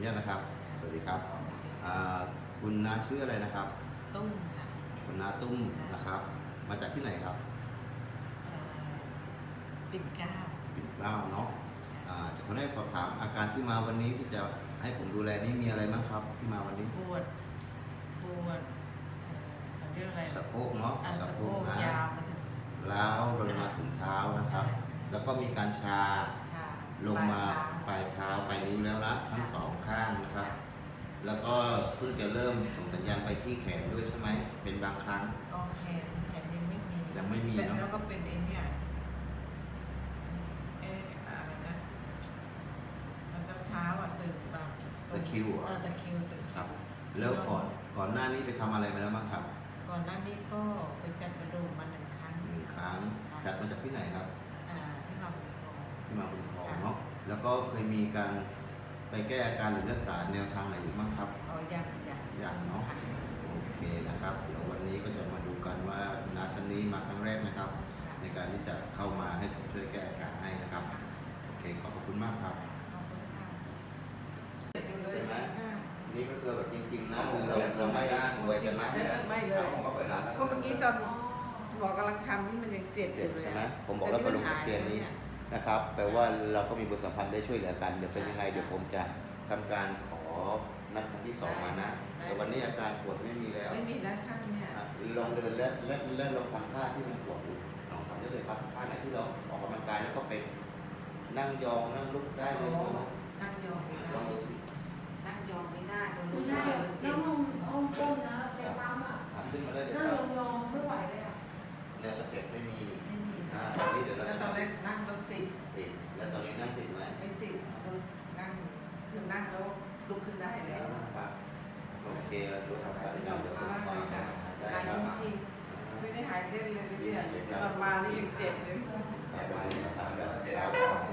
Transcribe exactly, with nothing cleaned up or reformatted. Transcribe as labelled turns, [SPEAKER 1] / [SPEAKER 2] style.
[SPEAKER 1] นุญาตนะครับสวัสดีครับอ่าคุณน้าชื่ออะไรนะครับ
[SPEAKER 2] ตุ้มค่ะ
[SPEAKER 1] คุณน้าตุ้มนะครับ มาจากที่ไหนครับ
[SPEAKER 2] เอ่อปิ่นเกล้า
[SPEAKER 1] ปิ่นเกล้าเนาะอ่าจะขอให้สอบถามอาการที่มาวันนี้ที่จะให้ผมดูแลนี่มีอะไรบ้างครับที่มาวันนี้
[SPEAKER 2] ปวดปวดเอ่อเขาเรียกอะไร
[SPEAKER 1] สะโพกเนาะ
[SPEAKER 2] อ่าสะโพก
[SPEAKER 1] นะ
[SPEAKER 2] ยาวมาถึง
[SPEAKER 1] ล้าวลงมาถึงเท้านะครับ
[SPEAKER 2] ใช่ใช่
[SPEAKER 1] แล้วก็มีการชา
[SPEAKER 2] ชา
[SPEAKER 1] ลงมาป
[SPEAKER 2] ปลายเท้า
[SPEAKER 1] ลายเท้าไปนิ้วแล้วละทั้งสองข้างนะครับ แล้วก็เพิ่งจะเริ่มส่งสัญญาณไปที่แขนด้วยใช่ไหมเป็นบางครั้ง
[SPEAKER 2] โอเคแขนยังไม่มี
[SPEAKER 1] ยังไม่มีเนอะ
[SPEAKER 2] แล้วก็เป็นไอ้เนี่ยเอ๊ะอะไรนะตอนเช้าๆอ่ะตื่นแบบ
[SPEAKER 1] ตะคริวเหรอ
[SPEAKER 2] เออตะคริวตื่น
[SPEAKER 1] ครับ แล้วก่อนก่อนหน้านี้ไปทำอะไรมาแล้วบ้างครับ
[SPEAKER 2] ก่อนหน้านี้ก็ไปจัดกระดูกมาหนึ่งครั้ง
[SPEAKER 1] หนึ่งครั้งจัดมาจากที่ไหนครับ
[SPEAKER 2] อ่าที่มาบุญครอง
[SPEAKER 1] ที่มาบุญครองเนาะแล้วก็เคยมีการไปแก้อาการหรือรักษาแนวทางไหนอีกบ้างครับ
[SPEAKER 2] อ๋อยังยัง
[SPEAKER 1] อย่างเนาะโอเคนะครับเดี๋ยววันนี้ก็จะมาดูกันว่านาท่านนี้มาครั้งแรกนะครับ ในการที่จะเข้ามาให้ผมช่วยแก้อาการให้นะครับโอเคขอบคุณมากครับ
[SPEAKER 2] ขอบคุณค่ะ
[SPEAKER 1] ใช่ไหมนี่ก็คือแบบจริงๆนะเราเราไม่ได้ป่วยกันนะ
[SPEAKER 2] ไม่เลยก็เมื่อกี้ตอนหมอกำลังทำนี่มันยังเจ็บอยู่เลย
[SPEAKER 1] ใช่ไหมผมบอกแล้วกระดูกเตียนนี้นะครับแปลว่าเราก็มีบทสัมพันธ์ได้ช่วยเหลือกันเดี๋ยวเป็นยังไงเดี๋ยวผมจะทำการขอนัดครั้งที่สองมานะแต่วันนี้อาการปวดไม่มีแล้ว
[SPEAKER 2] ไม่มีแล้วข้างเนี่ย
[SPEAKER 1] ลองเดินและและและลองทำท่าที่มันปวดอยู่ลองทำได้เลยครับท่าไหนที่เราออกกำลังกายแล้วก็เป็นนั่งยองนั่งลุกได้เลยใช่ไหม
[SPEAKER 2] นั่งยองไม่ได้
[SPEAKER 1] ลองดูสิ
[SPEAKER 2] นั่งยองไม่ได้ตรงนู้น
[SPEAKER 3] ไม่ได้นั่งห้องห้องต้นนะไปปั๊มอ่ะ
[SPEAKER 1] ทำขึ้นมาได้เลย
[SPEAKER 3] นั่ง
[SPEAKER 1] ครับ
[SPEAKER 3] ยองๆไม่ไหวเลยอ่ะ
[SPEAKER 1] แนวตะเข็บไม่มี
[SPEAKER 2] ไม่มี
[SPEAKER 1] อ่าตอนนี้เดี๋ยวเรา
[SPEAKER 2] แล้วตอนแรกนั่งรถติด
[SPEAKER 1] ติดแล้วตอนนี้นั่งติดไหม
[SPEAKER 2] ไม่ติดนั่งคือนั่งแล้วลุกขึ้นได้แล้ว
[SPEAKER 1] ครับโอเคเราดูทำการเดี๋ยวเดี๋ยวผมขอได้
[SPEAKER 2] หาย
[SPEAKER 1] ครับ
[SPEAKER 2] จริงๆไม่ได้หายเล่นเลยเนี่ยตอนมานี่ยังเจ็บเลย
[SPEAKER 1] ไปไปทำแบบ